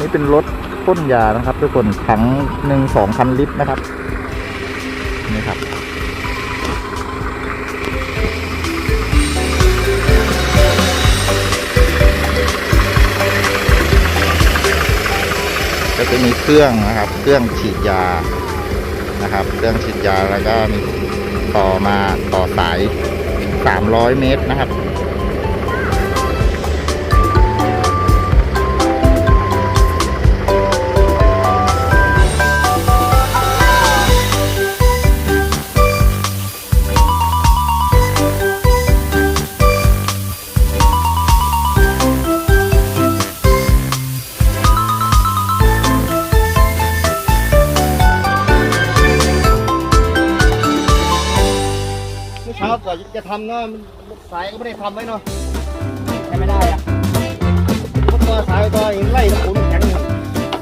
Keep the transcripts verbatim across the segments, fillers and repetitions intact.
เป็นรถพ่นยานะครับทุกคนถังหนึ่งสองพันลิตรนะครับนี่ครับก็จะมีเครื่องนะครับเครื่องฉีดยานะครับเครื่องฉีดยาแล้วก็มีต่อมาต่อสายสามร้อยเมตรนะครับเช้าก่อนจะทำเนาะสายก็ไม่ได้ทำไว้เนาะใช้ไม่ได้อะเพราะตัวสายตัวยังไล่ขุนแข็งอยู่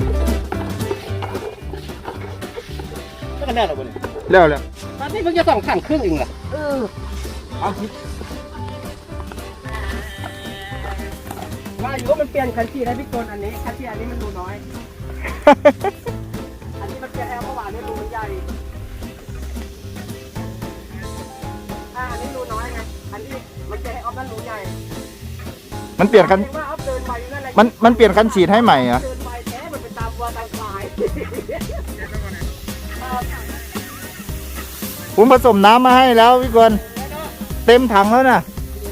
ไม่กันแน่หรอกเนี่ยแล้วแล้วตอนนี้เพิ่งจะสองถังครึ่งเองเหรอเออเอาคิดว่าอยู่ว่ามันเปลี่ยนคันที่ได้พี่กนอันนี้คันที่อันนี้มันรูน้อย อันนี้มันจะแอลเมื่อวานนี้รูมันใหญ่อันนี้รูน้อยไง อันนี้มันจะให้ออฟนั่นรูใหญ่มันเปลี่ยนคันมันมันเปลี่ยนคันฉีดให้ใหม่เหรอเดินไปแท้มันเป็นตามวัวตามควายผมผสมน้ำมาให้แล้วพี่กวนเต็มถังแล้วนะ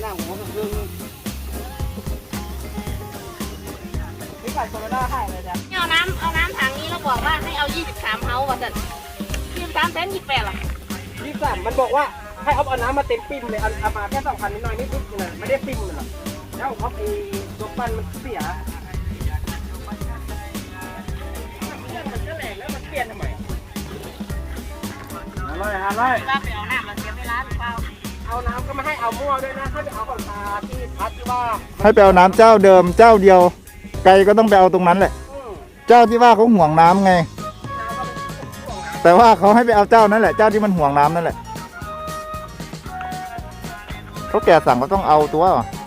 นี่ไก่โซโลน่าให้เลยจ้ะเอาน้ำเอาน้ำถังนี้แล้วบอกว่าให้เอายี่สิบสามเฮาว่าจะยี่สิบสามเซนยี่สิบแปดหรอยี่สิบสามมันบอกว่าให้เอาเอาน้ำมาเต็มปิ้มเลยเอาเอามาแค่สองพันนิดหน่อยนิดนิดนะไม่ได้ปิ้มเลยหรอกแล้วเขาไอ้ตัวปั้นมันเสียมันก็แหลกแล้วมันเปลี่ยนทำไมอะไรอะไรเวลาไปเอาน้ำเราเสียเวลาหรือเปล่าเอาน้ำก็ไม่ให้เอามั่วด้วยนะให้ไปเอาของตาที่พัดที่ว่าให้ไปเอาน้ำเจ้าเดิมเจ้าเดียวไกลก็ต้องไปเอาตรงนั้นแหละอืมเจ้าที่ว่าเขาห่วงน้ำไงน้ำก็เป็นของน้ำแต่ว่าเขาให้ไปเอาเจ้านั่นแหละเจ้าที่มันห่วงน้ำนั่นแหละเขาแก่สั่งก็ต้องเอาตัว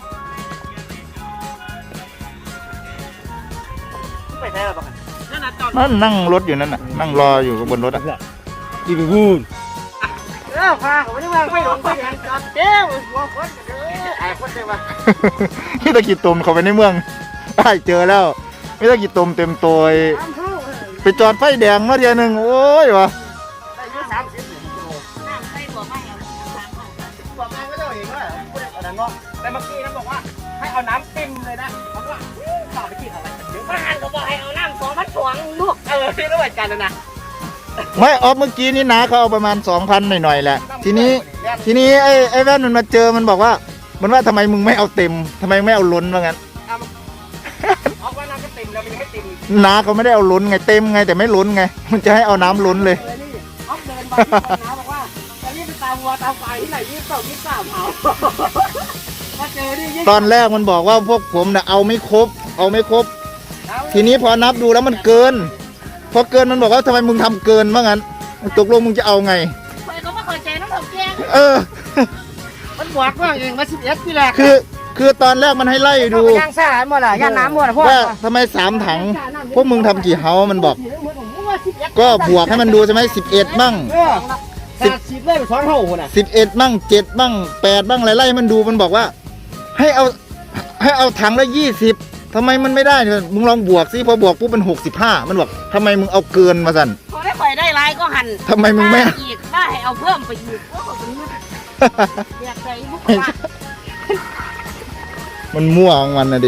ไปแท้หรอปะนั่นน่ะจอดนั่นนั่งรถอยู่นั่นน่ะนั่งรออยู่บนรถอ่ะจีบวูนเออพาเขาไม่ได้วางไม่ลงไปยังจอดเจ้าหัวคนเด้อไอ้คนเดียวที่ตะกี้ตุ่มเขาไปในเมืองได้เจอแล้วไม่ตะกี้ตุ่มเต็มตัวไปจอดไฟแดงมาเดียวหนึ่งโอ้ยวะได้เยอะสามสิบกิโลน้ำใส่บอกไม่เอาสามเฮาบอกงานก็จะเห็นว่าพูดอะไรเนาะแต่เมื่อกี้นะบอกว่าให้เอาน้ำเต็มเลยนะเขาว่าต่อไปกินอะไรกันเยอะบ้านก็บอกให้เอาน้ำสองพันสองลูกเออที่รู้เหมือนกันนะไม่ออฟเมื่อกี้นี่นะเขาเอาประมาณสองพันหน่อยๆแหละทีนี้ทีนี้ไอ้ไอ้แว่นมันมาเจอมันบอกว่า มันว่าทำไมมึงไม่เอาเต็มทำไมไม่เอาล้นว่างั้นเอาว่าน้ำก็เต็มแล้วมันยังไม่เต็มนาเขาไม่ได้เอาล้นไงเต็มไงแต่ไม่ล้นไงมันจะให้เอาน้ำล้นเลยเลยนี่เอาเดินมาที่คนน้าบอกว่าจะรีบไปตามวัวตามควายที่ไหนยี่สิบสองยี่สิบสามเอามาเจอนี่ตอนแรกมันบอกว่าพวกผมน่ะเอาไม่ครบ เอาไม่ครบ ทีนี้พอนับดูแล้วมันเกิน พอเกินมันบอกว่าทำไมมึงทำเกินว่างั้นตกลงมึงจะเอาไงเคยก็ไม่เคยใจน้ำผมแจ้งเออมันบวกว่าเองมาสิบเอ็ดที่แรกคือคือตอนแรกมันให้ไล่ดูย่างซ่าหมดละย่างน้ำหมดละพวกว่าทำไมสามถัง พวกมึงทำกี่เฮามันบอก ก็บวกให้มันดูใช่ไหมสิบเอ็ดบ้างสิบสิบเลยไปสองเท่าคนอ่ะสิบเอ็ดบ้างเจ็ดบ้างแปดบ้างไล่ๆมันดูมันบอกว่า ให้เอาให้เอาถังละยี่สิบทำไมมันไม่ได้เนี่ยมึงลองบวกสิพอบวกปุ๊บเป็นหกสิบห้ามันบอกทำไมมึงเอาเกินมาสั่นพอได้ข่อยได้ลายก็หันทำไมมึงไม่อีกว่าให้เอาเพิ่มไปอีกว่าผมอยากใจมุกว่ามันมั่วของมันนะดิ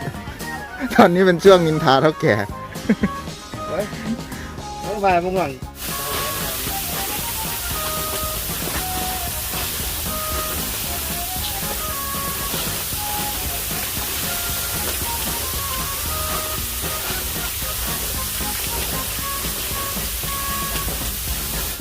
ตอนนี้เป็นช่วงนินทาเท่าแก่เฮ้ยมึงไปมึงหวัง